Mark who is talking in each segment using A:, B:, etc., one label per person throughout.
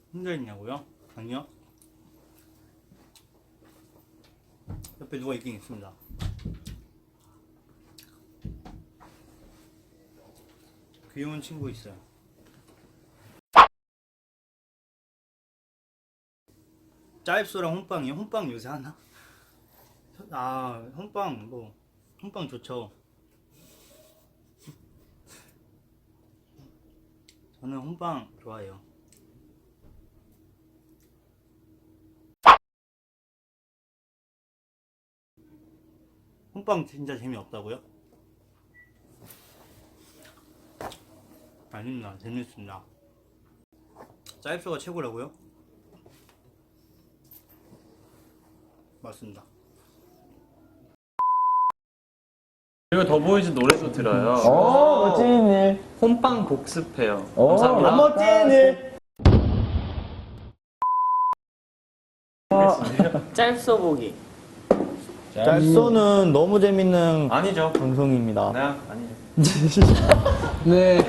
A: 혼자 있냐고요? 아니요. 옆에 누가 있긴 있습니다. 귀여운 친구 있어요. 짜입소랑 혼빵이요? 혼빵 요새 하나? 아, 혼빵 뭐 혼빵 좋죠. 저는 혼빵 좋아해요. 혼빵 진짜 재미없다고요? 아닙니다. 재밌습니다. 짜입소가 최고라고요? 맞습니다.
B: 그리고 더보이즈 노래도 들어요.
C: 멋진 일.
B: 홈빵 복습해요. 감사합니다.
C: 멋진 일.
D: 짧소 보기.
C: 짤소는 너무 재밌는
B: 아니죠.
C: 방송입니다.
B: 네, 아니죠.
C: 네.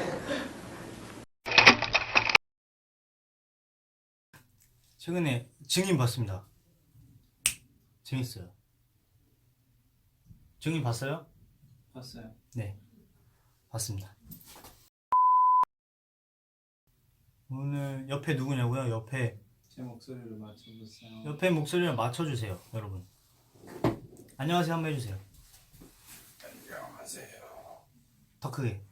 A: 최근에 증인 봤습니다. 재밌어요. 증인 봤어요?
B: 봤어요.
A: 네, 봤습니다. 오늘 옆에 누구냐고요?
B: 제 목소리를 맞춰보세요.
A: 옆에 목소리를 맞춰주세요, 여러분. 안녕하세요 한번 해주세요.
B: 안녕하세요.
A: 더 크게.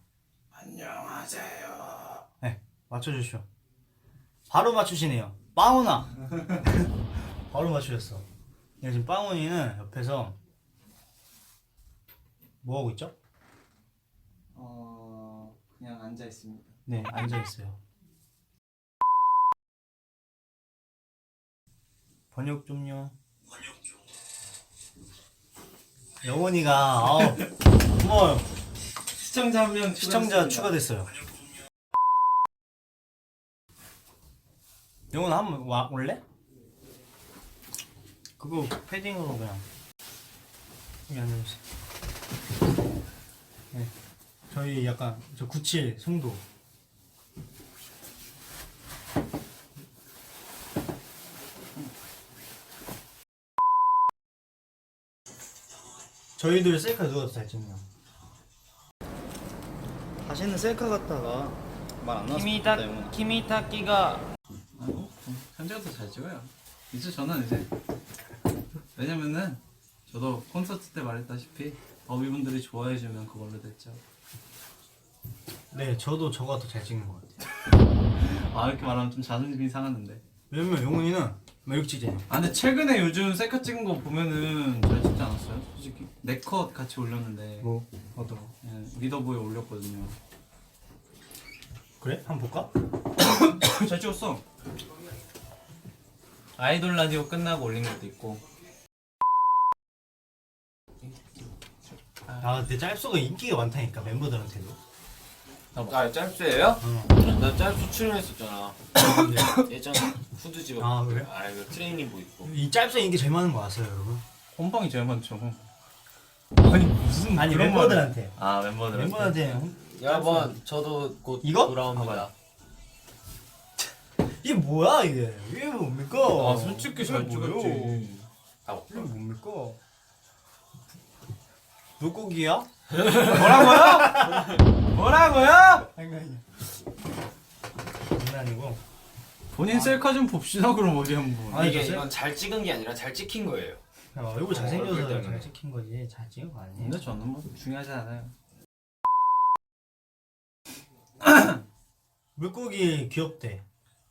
B: 안녕하세요.
A: 네, 맞춰주시오. 바로 맞추시네요. 빵훈아. 바로 맞추셨어. 네, 지금 빵훈이는 옆에서 뭐 하고 있죠?
B: 그냥 앉아 있습니다.
A: 네, 앉아 있어요. 번역 좀요. 영원이가 고마워요.
B: 시청자 한 명
A: 시청자 추가됐어요. 영원 한번 올래? 그거 패딩으로 그냥 여기 앉아주세요. 네, 저희 약간 저 97 송도. 저희들 셀카 누가 더 잘 찍냐? 다시는 셀카 갔다가 말 안 나왔으면 좋겠다, 영훈아.
D: 키미타키가
B: 현재가 더 잘 찍어요. 이제 저는 이제 왜냐면은 저도 콘서트 때 말했다시피 더비분들이 좋아해주면 그걸로 됐죠.
A: 네, 저도 저가 더 잘 찍는 것 같아요.
B: 아 이렇게 말하면 좀 자존심이 상하는데.
A: 왜냐면 영훈이는 매력 찍잖아요.
B: 아 근데 최근에 요즘 셀카 찍은 거 보면은 잘 찍지 않았어요? 솔직히 네 컷 같이 올렸는데
A: 뭐 어떤?
B: 예, 리더보에 올렸거든요.
A: 그래? 한번 볼까?
B: 잘 찍었어. 아이돌 라디오 끝나고 올린 것도 있고.
A: 아, 근데 짤소가 인기가 많다니까 멤버들한테도.
E: 아 짤수예요?
A: 어.
E: 나 짤수 출연했었잖아. 예전에 후드집
A: 아, 그래?
E: 그 트레이닝복 입고.
A: 이 짤소 인기 제일 많은 거 아세요, 여러분?
B: 홈빵이 제일 많죠.
A: 아니 무슨 아니
B: 그런
A: 멤버들한테.
B: 아 멤버들한테.
A: 멤버한테
E: 여러분 저도 곧
A: 이거?
E: 돌아옵니다.
A: 이게 뭐야 이게? 이게 뭡니까?
B: 아 솔직히 잘
A: 이게 뭐예요?
B: 찍었지.
E: 아,
A: 이게 뭡니까? 물고기야?
B: 뭐라고요?
A: 아니. 장난이고.
B: 본인 셀카 좀 봅시다 그럼 어디 한번.
A: 아니,
E: 이게
A: 저
E: 이건 잘 찍은 게 아니라 잘 찍힌 거예요.
A: 야, 얼굴 잘생겨서
E: 얼굴 때문에.
A: 잘 찍힌 거지. 잘 찍은 거 아니에요?
B: 근데 저는 뭐 중요하지 않아요.
A: 물고기 귀엽대.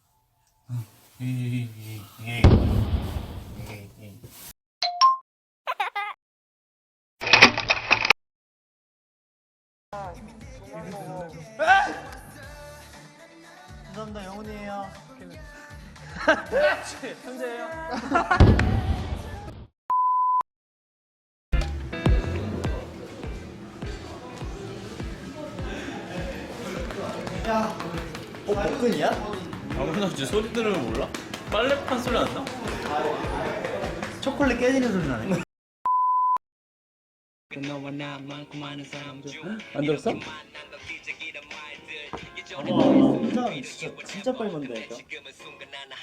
A: 감사합니다, 영훈이에요. 야, 복근이야?
B: 아무나 이제 소리 들으면 몰라? 빨래판 소리 안 나?
A: 초콜릿 깨지는 소리 나네.
C: 안 들었어?
A: 진짜 빨리 만든다니까.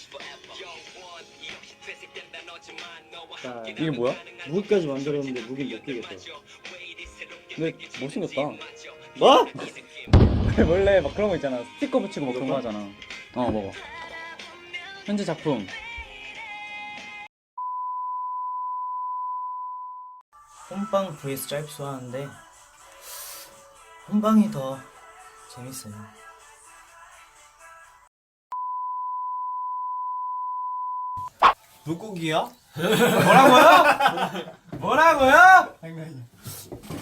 F: 자,
C: 이게 뭐야?
F: 무기까지 만들었는데 무기 못 끼겠어.
C: 근데 못생겼다.
F: 뭐?
C: 원래 막 그런 거 있잖아. 스티커 붙이고 막 그런 거 하잖아. 먹어. 현재 작품.
D: 혼방 vs 짤수 하는데 혼방이 더 재밌어요.
A: 물고기야?
B: 뭐라고요? 뭐라고요?
A: 아니